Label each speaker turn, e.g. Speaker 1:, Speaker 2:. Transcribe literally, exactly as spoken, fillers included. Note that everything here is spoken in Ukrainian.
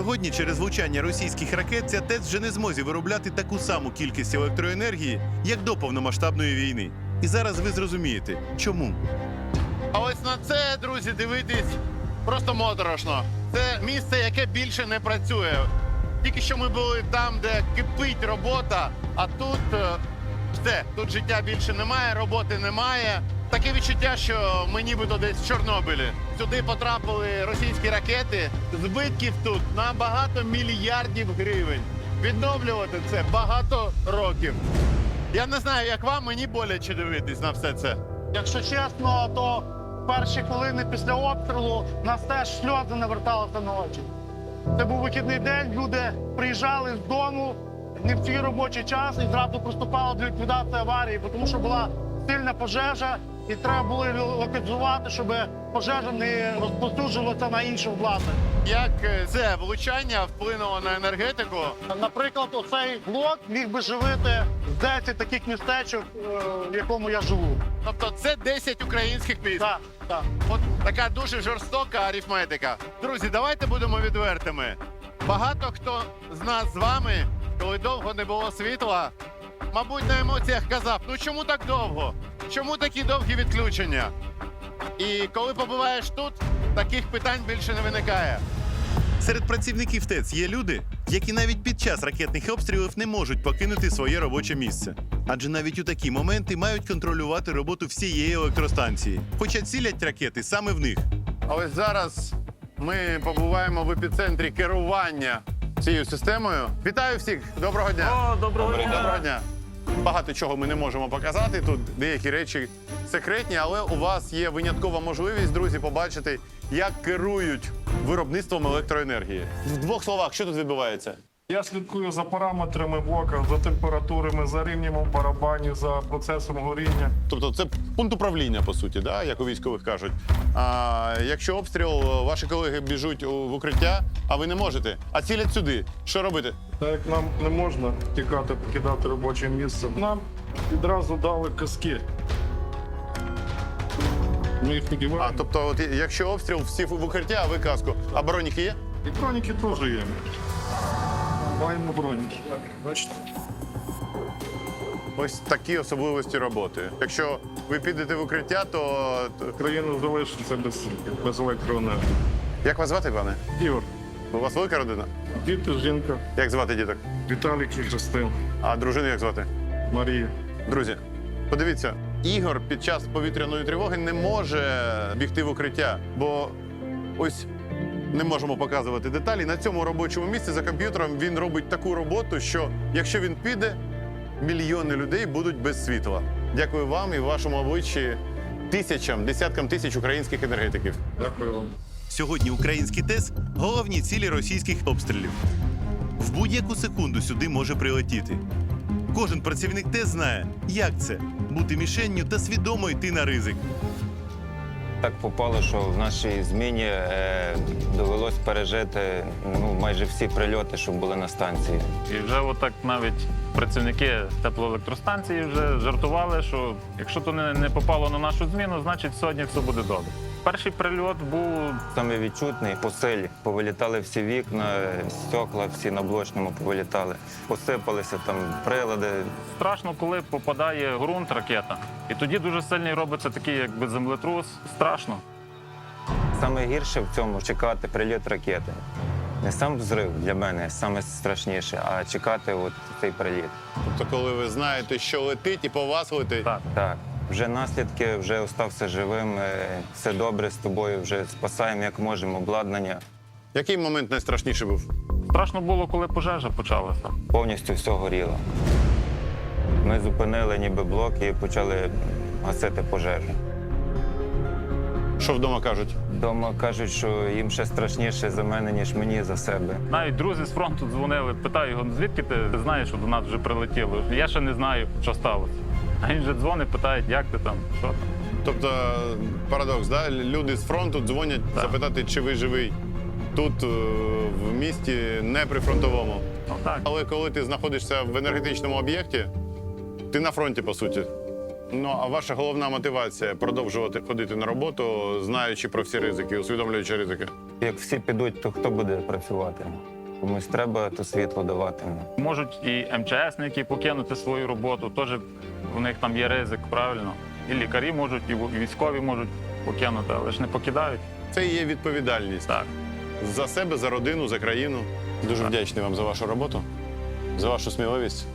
Speaker 1: Сьогодні через влучання російських ракет ця ТЕЦ вже не зможе виробляти таку саму кількість електроенергії, як до повномасштабної війни. І зараз ви зрозумієте, чому.
Speaker 2: А ось на це, друзі, дивитись просто моторошно. Це місце, яке більше не працює. Тільки що ми були там, де кипить робота, а тут е, все, тут життя більше немає, роботи немає. Таке відчуття, що ми нібито десь в Чорнобилі. Сюди потрапили російські ракети, збитків тут на багато мільярдів гривень. Відновлювати це багато років. Я не знаю, як вам, мені боляче дивитись на все це.
Speaker 3: Якщо чесно, то перші хвилини після обстрілу нас теж сльози наверталися на очі. Це був вихідний день, люди приїжджали з дому не в свій робочий час і зразу приступали до ліквідації аварії, тому що була сильна пожежа і треба було локалізувати, щоб пожежа не розповсюджувалася на інше обладнання.
Speaker 2: Як е, це влучання вплинуло на енергетику?
Speaker 3: Наприклад, оцей блок міг би живити з десять таких містечок, е, в якому я живу.
Speaker 2: Тобто це десять українських міст.
Speaker 3: Так, так.
Speaker 2: От така дуже жорстока арифметика. Друзі, давайте будемо відвертими. Багато хто з нас з вами, коли довго не було світла, мабуть, на емоціях казав, ну чому так довго? Чому такі довгі відключення? І коли побуваєш тут, таких питань більше не виникає.
Speaker 1: Серед працівників ТЕЦ є люди, які навіть під час ракетних обстрілів не можуть покинути своє робоче місце. Адже навіть у такі моменти мають контролювати роботу всієї електростанції, хоча цілять ракети саме в них.
Speaker 2: А ось зараз ми побуваємо в епіцентрі керування цією системою. Вітаю всіх! Доброго дня!
Speaker 3: О, доброго дня!
Speaker 2: Доброго дня! Багато чого ми не можемо показати, тут деякі речі секретні, але у вас є виняткова можливість, друзі, побачити, як керують виробництвом електроенергії. В двох словах, що тут відбувається?
Speaker 4: Я слідкую за параметрами блока, за температурами, за рівнем у барабані, за процесом горіння.
Speaker 2: Тобто це пункт управління, по суті, да? Як у військових кажуть. А якщо обстріл, ваші колеги біжуть у- в укриття, а ви не можете, а цілять сюди. Що робити?
Speaker 4: Так як нам не можна тікати, покидати робоче місце, нам відразу дали каски. Ми їх
Speaker 2: А,
Speaker 4: надіваємо.
Speaker 2: тобто, от, якщо обстріл, всі в укриття, а ви каску. А броніки є?
Speaker 4: І броніки теж є. Маємо броніки. Бачите?
Speaker 2: Ось такі особливості роботи. Якщо ви підете в укриття, то... то-
Speaker 4: Країна залишиться без, без електроенергії.
Speaker 2: Як вас звати, пане?
Speaker 4: Ігор,
Speaker 2: У вас велика родина?
Speaker 4: діти, жінка,
Speaker 2: Як звати діток?
Speaker 4: Віталік і Христин,
Speaker 2: А дружину як звати?
Speaker 4: Марія.
Speaker 2: Друзі, подивіться, Ігор під час повітряної тривоги не може бігти в укриття, бо ось не можемо показувати деталі. На цьому робочому місці за комп'ютером він робить таку роботу, що якщо він піде, мільйони людей будуть без світла. Дякую вам і вашому обличчі тисячам, десяткам тисяч українських енергетиків.
Speaker 4: Дякую вам.
Speaker 1: Сьогодні українські ТЕЦ – головні цілі російських обстрілів. В будь-яку секунду сюди може прилетіти. Кожен працівник ТЕЦ знає, як це – бути мішенню та свідомо йти на ризик.
Speaker 5: Так попало, що в нашій зміні е, довелось пережити ну, майже всі прильоти, що були на станції.
Speaker 6: І вже отак навіть працівники теплоелектростанції вже жартували, що якщо то не, не попало на нашу зміну, значить сьогодні все буде добре. Перший прильот був
Speaker 5: Саме відчутний по силі. Повилітали всі вікна, стекла всі на блочному повилітали. Посипалися там прилади.
Speaker 6: страшно, коли попадає ґрунт, ракета. І тоді дуже сильний робиться такий якби землетрус. Страшно.
Speaker 5: Саме гірше в цьому чекати прильот ракети. Не сам взрив для мене саме страшніше, а чекати от цей приліт.
Speaker 2: Тобто, коли ви знаєте, що летить і по вас летить.
Speaker 6: Так.
Speaker 5: Так, вже наслідки, вже остався живим, е, все добре з тобою, вже спасаємо як можемо обладнання.
Speaker 2: Який момент найстрашніший був?
Speaker 6: Страшно було, коли пожежа почалася.
Speaker 5: Повністю все горіло. Ми зупинили ніби блок і почали гасити пожежу.
Speaker 2: Що вдома кажуть?
Speaker 5: Дома кажуть, що їм ще страшніше за мене, ніж мені за себе.
Speaker 6: Навіть друзі з фронту дзвонили, питаю його, звідки ти знаєш, що до нас вже прилетіло? Я ще не знаю, що сталося. А він вже дзвонить, питає, як ти там, що там.
Speaker 2: Тобто парадокс, да? Люди з фронту дзвонять
Speaker 6: Так.
Speaker 2: запитати, чи ви живий тут, е, в місті, не прифронтовому.
Speaker 6: Ну так.
Speaker 2: Але коли ти знаходишся в енергетичному об'єкті, ти на фронті, по суті. Ну, а ваша головна мотивація продовжувати ходити на роботу, знаючи про всі ризики, усвідомлюючи ризики?
Speaker 5: Як всі підуть, то хто буде працювати? Комусь треба то світло давати.
Speaker 6: Можуть і МЧСники покинути свою роботу, теж у них там є ризик, правильно. І лікарі можуть, і військові можуть покинути, але ж не покидають.
Speaker 1: Це і є відповідальність.
Speaker 6: Так.
Speaker 1: За себе, за родину, за країну. Дуже вдячний вам за вашу роботу, за вашу сміливість.